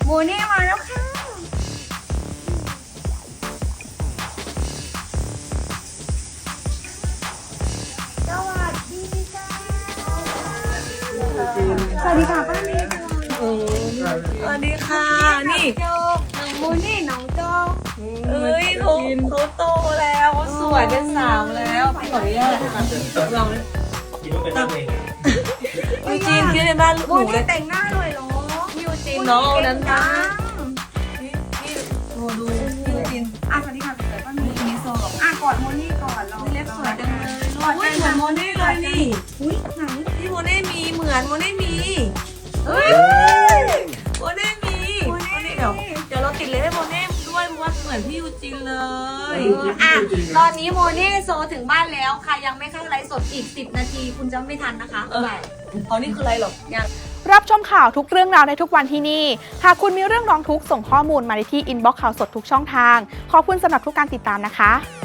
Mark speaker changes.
Speaker 1: โมเน่มาแล้วค่ะสวัสดีค่ะสวัสดีค่ะป้าเมย์
Speaker 2: สวัสดีค่ะนี่
Speaker 1: น้องโมเน่น้องโจ
Speaker 2: เอ้ยเขาโตแล้วเขาสวยเป็นสาวแล้วพี่ขออนุญาตลองเลย
Speaker 3: คิดว่าเป็นนักเลง
Speaker 2: ยูจีนคิดในบ้านลูก
Speaker 1: โม
Speaker 2: หนูเล
Speaker 1: เน่
Speaker 2: ย
Speaker 1: แต่งหน้าเลยเหรอ
Speaker 2: พี่ยูจีนน้องเอานั้นนะนี่โอ้ดูพี่ยูจีน
Speaker 1: สวัสดีค่ะสวยป้าเมย์
Speaker 2: มีโซ่หรอก
Speaker 1: กอดโมเน่ก่อนเรา
Speaker 2: เล็บสวยจังเลยอุ้ยเหมือนโมเน่เลยนี่
Speaker 1: อุ้ยไหน
Speaker 2: พี่โมเน่มีเหมือนโมเน่มีเฮ้ยโมเน่มีเดี๋ยวเราติดเล็บให้โมเน่ด้วยเพราะว่าเหมือนพี่ยูจีนเลย
Speaker 1: ตอนนี้โมเน่โซถึงบ้านแล้วค่ะยังไม่เข้าไลฟ์สดอีก10 นาทีคุณจะไม่ทันนะคะบ๊ายบาย
Speaker 2: เอานี่คืออะไรหรอ
Speaker 4: รับชมข่าวทุกเรื่องราวในทุกวันที่นี่ หากคุณมีเรื่องร้องทุกข์ส่งข้อมูลมาในที่อินบ็อกซ์ข่าวสดทุกช่องทาง ขอบคุณสำหรับทุกการติดตามนะคะ